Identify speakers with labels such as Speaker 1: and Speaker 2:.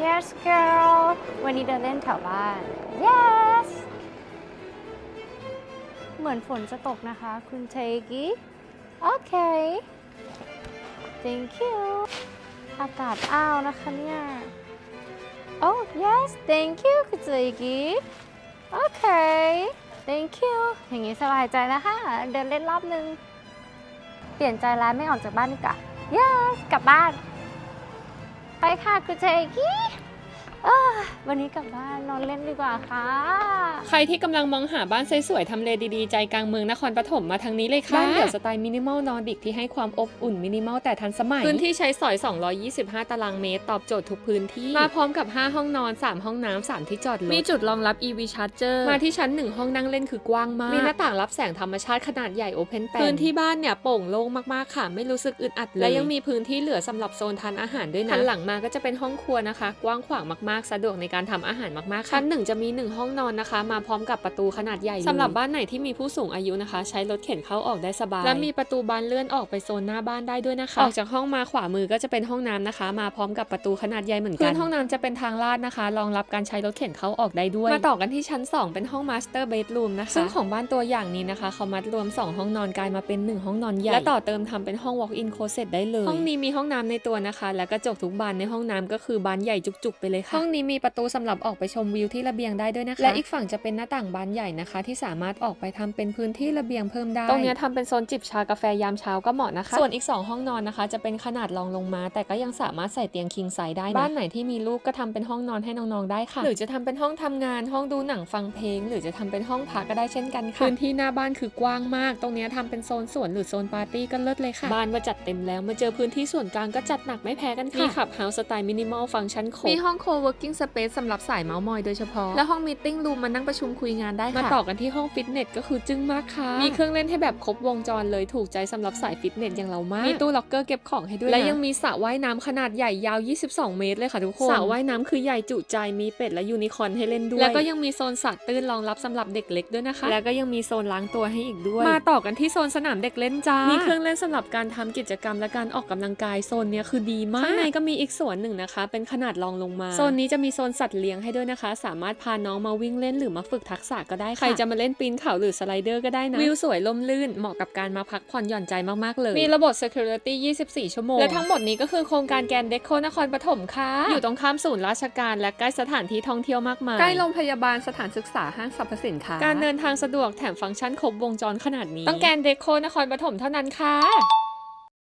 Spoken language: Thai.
Speaker 1: Yes girl วันนี้เดินเล่นแถวบ้าน Yes เหมือนฝนจะตกนะคะคุณเทกิโอเค Thank you อากาศอ้าวนะคะเนี่ย Oh yes thank you คุณเทกิโอเค Thank you อย่างนี้สบายใจแล้วค่ะเดินเล่นรอบนึงเปลี่ยนใจแล้วไม่ออกจากบ้านดีกว่า Yes กลับบ้านไปค่ะคุณเทกิวันนี้กลับบ้านนอนเล่นดีกว่าค่ะ
Speaker 2: ใครที่กำลังมองหาบ้านสวยๆทำเลดีๆใจกลางเมืองนครปฐมมาทางนี้เลยค่ะบ้านเดี่ยวสไตล์มินิมอลนอร์ดิกที่ให้ความอบอุ่นมินิมอลแต่ทันสมัยพื้นที่ใช้สอย225ตารางเมตรตอบโจทย์ทุกพื้นที่มาพร้อมกับ5ห้องนอน3ห้องน้ำ3ที่จอดรถมีจุดรองรับ EV Charger มาที่ชั้น1ห้องนั่งเล่นคือกว้างมากมีหน้าต่างรับแสงธรรมชาติขนาดใหญ่โอเพนแปนพื้นที่บ้านเนี่ยโปร่งโล่งมากๆค่ะไม่รู้สึกอึดอัดเลยและยังมีพื้นที่เหลือสำหรับโซนทานอาหารด้วยนะหันหลังมาก็จะเป็นห้องครัวนะคะกว้างขวางมากๆสะดวกในการทำอาหารมากๆชั้น1จะมี1ห้องนอนนะคะมาพร้อมกับประตูขนาดใหญ่สำหรับบ้านไหนที่มีผู้สูงอายุนะคะใช้รถเข็นเข้าออกได้สบายและมีประตูบานเลื่อนออกไปโซนหน้าบ้านได้ด้วยนะคะออกจากห้องมาขวามือก็จะเป็นห้องน้ำนะคะมาพร้อมกับประตูขนาดใหญ่เหมือนกันพื้นห้องน้ำจะเป็นทางลาดนะคะรองรับการใช้รถเข็นเข้าออกได้ด้วยมาต่อกันที่ชั้น2เป็นห้องมาสเตอร์เบดรูมนะคะซึ่งของบ้านตัวอย่างนี้นะคะเขามัดรวม2ห้องนอนกลายมาเป็น1ห้องนอนใหญ่และต่อเติมทำเป็นห้อง walk-in closet ได้เลยห้องนี้มีห้องน้ำในตัวนะคะและกระจกทุกบานในห้องน้ำก็คือบานใหญ่จุกๆไปเลยค่ะห้องนี้มีประตูสำหรับออกไปชมวิวที่ระเบียงได้ด้วยนะคะและอีกฝั่งจะเป็นหน้าต่างบานใหญ่นะคะที่สามารถออกไปทำเป็นพื้นที่ระเบียงเพิ่มได้ตรงนี้ทำเป็นโซนจิบชากาแฟยามเช้าก็เหมาะนะคะส่วนอีก2ห้องนอนนะคะจะเป็นขนาดรองลงมาแต่ก็ยังสามารถใส่เตียงคิงไซส์ได้นะบ้านไหนที่มีลูกก็ทำเป็นห้องนอนให้น้องๆได้ค่ะหรือจะทำเป็นห้องทำงานห้องดูหนังฟังเพลงหรือจะทำเป็นห้องพักก็ได้เช่นกันค่ะพื้นที่หน้าบ้านคือกว้างมากตรงนี้ทำเป็นโซนสวนหรือโซนปาร์ตี้ก็เลิศเลยค่ะบ้านมาจัดเต็มแล้วมาเจอพื้นที่ส่วนกลางก็จัดหนักไม่แพ้กันค่ะมีขับเฮาส์สไตล์มินิมอลฟังก์ชันครบมีห้องโคเวิร์กิ้งสเปซสำหรับสายเมาส์มอยโดยเฉพาะและห้องมีตติ้งรูมมานั่งประชุมคุยงานได้ค่ะมาต่อกันที่ห้องฟิตเนสก็คือจึ้งมากค่ะมีเครื่องเล่นให้แบบครบวงจรเลยถูกใจสำหรับสายฟิตเนสอย่างเรามากมีตู้ล็อกเกอร์เก็บของให้ด้วยและยังมีสระว่ายน้ำขนาดใหญ่ยาว22เมตรเลยค่ะทุกคนสระว่ายน้ำคือใหญ่จุใจมีเป็ดและยูนิคอร์นให้เล่นด้วยแล้วก็ยังมีโซนสระตื้นรองรับสำหรับเด็กเล็กด้วยนะคะแล้วก็ยังมีโซนล้างตัวให้อีกด้วยมาต่อกันที่โซนสนามเด็กเล่นจ้ามีเครื่องเล่นสำหรับการทำกิจกรรมและการออกกำลังกายโซนนี้คือดีมากข้างในก็มีอีกส่วนหนึ่งนะคะเป็นขนาดรองลงมาโซนนี้จะมีโซนสัตว์เลี้ยงให้ด้วยนะคะสามารถพาน้องมาวิ่งเล่นหรือมาฝึกทักษะก็ได้ค่ะใครจะมาเล่นปีนเขาหรือสไลเดอร์ก็ได้นะวิวสวยล่มลื่นเหมาะกับการมาพักผ่อนหย่อนใจมากๆเลยมีระบบ security 24 ชั่วโมงและทั้งหมดนี้ก็คือโครงการแกรนด์เดโคนครปฐมค่ะอยู่ตรงข้ามศูนย์ราชการและใกล้สถานที่ท่องเที่ยวมากมายใกล้โรงพยาบาลสถานศึกษาห้างสรรพสินค้าการเดินทางสะดวกแถมฟังก์ชันครบวงจรขนาดนี้ต้องแกรนด์เดโคนครปฐมเท่านั้นค่ะ